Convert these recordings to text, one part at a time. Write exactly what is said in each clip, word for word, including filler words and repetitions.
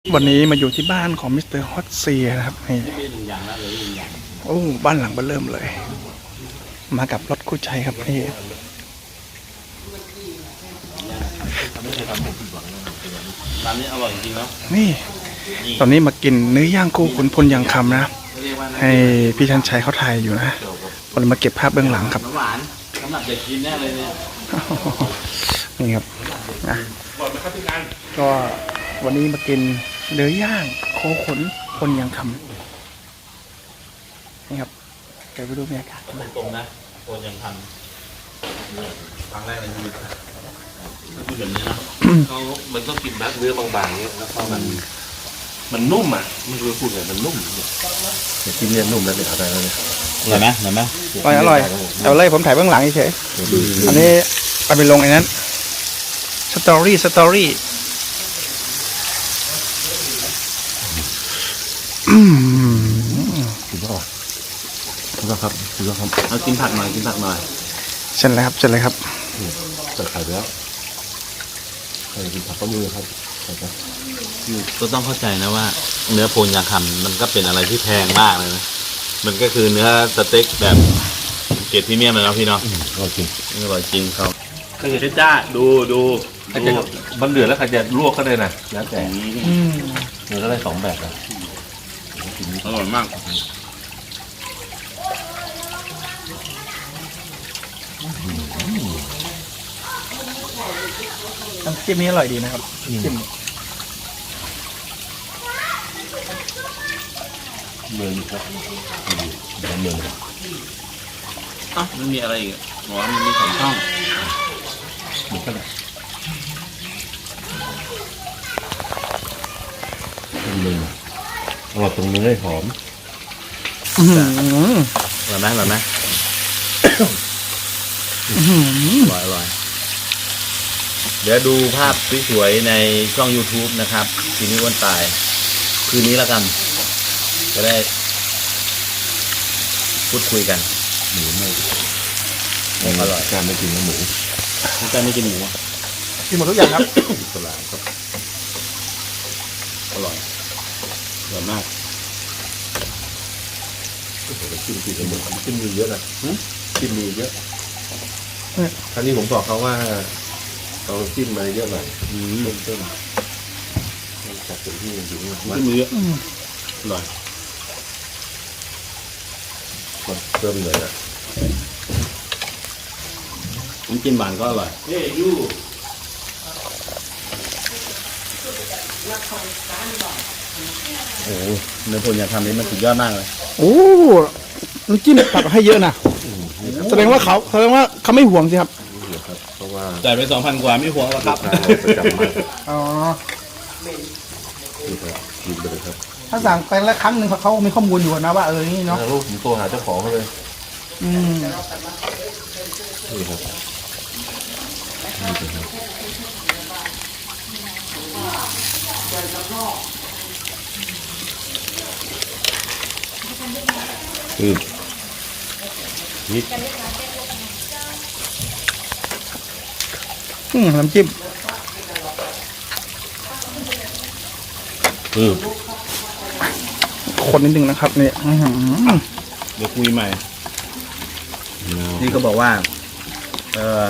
วันนี้มาอยู่ที่บ้านของมิสเตอร์ฮอตเซียนะครับนี่โอ้บ้านหลังเบ้อเริ่มเลย มากับรถคู่ใจครับนี่ร้านนี้อร่อยจริงๆเนาะนี่ตอนนี้มากินเนื้อย่างคู่ขุนพลยังคำนะให้พี่ชันชัยเขาถ่ายอยู่นะวันมาเก็บภาพเบื้องหลังครับหวานสำหรับเด็กกินแน่เลยเนี่ยนี่ครับนะก็วันนี้มากินเนื้อย่างโคขุนพลยังคำนี่ครับเดี๋ยวไปดูบรรยากาศกันนะตรงนะคนยังทำครั้งแรกในชีวิตพูดแบบนี้นะเขามันต้องกินแบบเนื้อบางๆเนี้ยแล้วก็มันมันนุ่มอ่ะไม่รู้พูดไงมันนุ่มเนี่ยกินเนี่ยนุ่มแล้วเนี่ยเอาได้แล้วเนี่ยอร่อยไหมอร่อยไหมอร่อยอร่อยเอาเลยผมถ่ายเบื้องหลังเฉยอันนี้เอาไปลงไอ้นั้นสตอรี่สตอรี่อืมคุณพ่อคุณพ่อครับคุณพ่อครับเอากินผักหน่อยกินผักหน่อยเช่นไรครับเช่นไรครับจัดไข่แล้วใครกินผักก็มือครับก็ต้องเข้าใจนะว่าเนื้อโพนยางคำมันก็เป็นอะไรที่แพงมากเลยนะมันก็คือเนื้อสเต็กแบบเกรดพรีเมียมเลยนะพี่เนาะอร่อยจริงอร่อยจริงครับก็คือจ้าดูดูมันเหลือแล้วใครจะลวกก็ได้นะแล้วแต่เนื้อก็ได้สองแบบนะอร่อยมากน้ำจิ้มนี้อร่อยดีนะครับจิ้มเมืองครับเมืองอ่ะมันมีอะไรอีกอ๋อมันมีสองช่องเหมือนกันเลยเมืองอร่อยตรงเนื้อหอมอร่อยไหมอร่อยไหมอร่อยอร่อยเดี๋ยวดูภาพสวยๆในช่อง YouTube นะครับทีนี้วันตายคืนนี้แล้วกันจะได้พูดคุยกันหมูไม่อร่อยการไม่กินหมูการไม่กินหมูกินหมดทุกอย่างครับตลาดครับอร่อยอร่อยมากกินกินหมูกินมีเยอะนะกินมีเยอะครั้งนี้ผมบอกเขาว่าเอาจิ้มมาเยอะหน่อยเริ่มต้นจัดเป็นที่จริงๆจิ้มเยอะอร่อยเพิ่มเลยนะน้ำจิ้มหวานก็อร่อยเฮ้ยยูโอ้เนื้อโพนยางคำนี้มันสุดยอดมากเลยโอ้น้ำจิ้มตักให้เยอะนะแสดงว่าเขาแสดงว่าเขาไม่ห่วงสิครับเพราะว่าจ่ายไปสองพันกว่าไม่ห่วงแล้วครับอ๋อกินไปเลยครับถ้าสั่งไปแล้วครั้งหนึ่งเขามีข้อมูลอยู่นะว่าเออนี่เนาะลูกผมโทรหาเจ้าของเขาเลยอืมนี่ครับอืมนิดอืมน้ำจิ้มอืมคนนิดนึงนะครับเนี่ยเดี๋ยวคุยใหม่นี่ก็บอกว่าเออ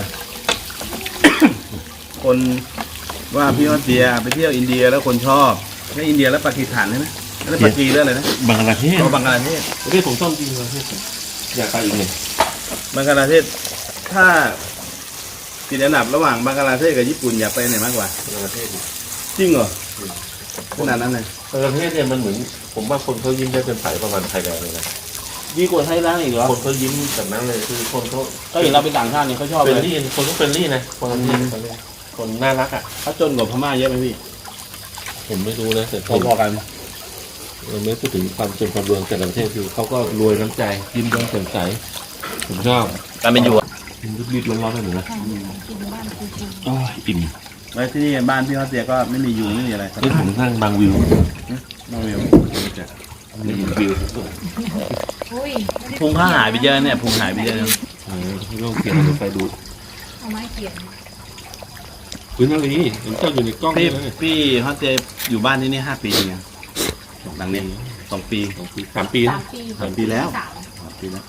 คนว่าพี่ออสเซียไปเที่ยวอินเดียแล้วคนชอบไม่อินเดียแล้วปากีสถานใช่ไหมแล้วปากีเรื่องอะไรนะบังกลาเทศบังกลาเทศประเทศผมชอบจริงเลยอยากไปอีกเลยบังกลาเทศถ้าติดอันดับระหว่างบังกลาเทศกับญี่ปุ่นอยากไปไหนมากกว่าบังกลาเทศจริงเหรอขนาดนั้นเลยบังกลาเทศเนี่ยมันเหมือนผมว่าคนเขายิ้มได้เป็นสายประมาณไทยแลนด์เลยนะดีกว่าไทยแลนด์อีกเหรอคนเขายิ้มแบบนั้นเลยคือคนเขาก็เห็นเราเป็นต่างชาติเนี่ยเขาชอบเป็นรี่คนเขาเป็นรี่นะคนนี้คนน่ารักอ่ะเขาจนกว่าพม่าเยอะไหมพี่ผมไม่รู้นะแต่พอๆกันเราไม่พูดถึงความจนความรวยแต่ละประเทศคือเขาก็รวยน้ำใจยิ้มแย้มแจ่มใสผมชอบการเป็นอยู่รีบๆร้อนๆได้หนูนะอ๋ออิ่มไว้ที่นี่บ้านพี่เขาเสียก็ไม่มีอยู่ไม่มีอะไรนี่ผมนั่งบางวิวบางวิวนี่วิวพุงข้าหายไปเยอะเนี่ยพุงหายไปเยอะเลยต้องเขียนไปดูเอาไม้เขียนคุณนาลีเห็นเจ้าอยู่ในกล้องพี่เลยพี่ฮอตเจอยู่บ้านที่นี่ห้าปีไงหลังเนี้ยสองปีสองปีสามปีนะสามปีสามปีแล้วสามสามปีแล้ว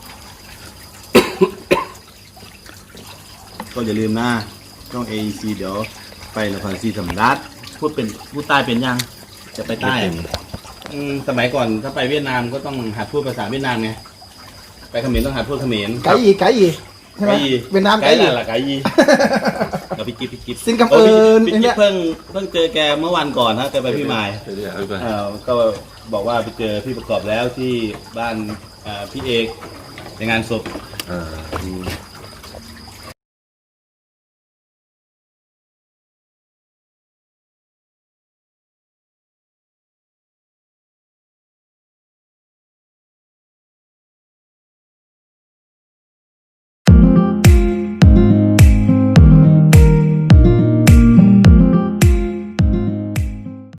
ก็อย่าลืมนะช่อง เอ อี ซี เดี๋ยวไปนครศรีธรรมราชพูดเป็นพูดใต้เป็นยัง จะไปใต้อะอืมสมัยก่อนถ้าไปเวียดนามก็ต้องหัดพูดภาษาเวียดนามไงไปเขมรต้องหัดพูดเขมรไก่อีไก่อีใช่ไหมไก่อีเวียดนามไก่ไก่อีละไก่ยีเราพี่กิ๊บพี่กิ๊บสิงคโปร์เออพี่อันเนี้กิ๊ยบเพิ่งเพิ่งเจอแกเมื่อวันก่อนนะแกไปพี่มายเดี๋ยวเอาไปเออก็บอกว่าไปเจอพี่ประกอบแล้วที่บ้านอ่าพี่เอกในงานศพอ่าอืม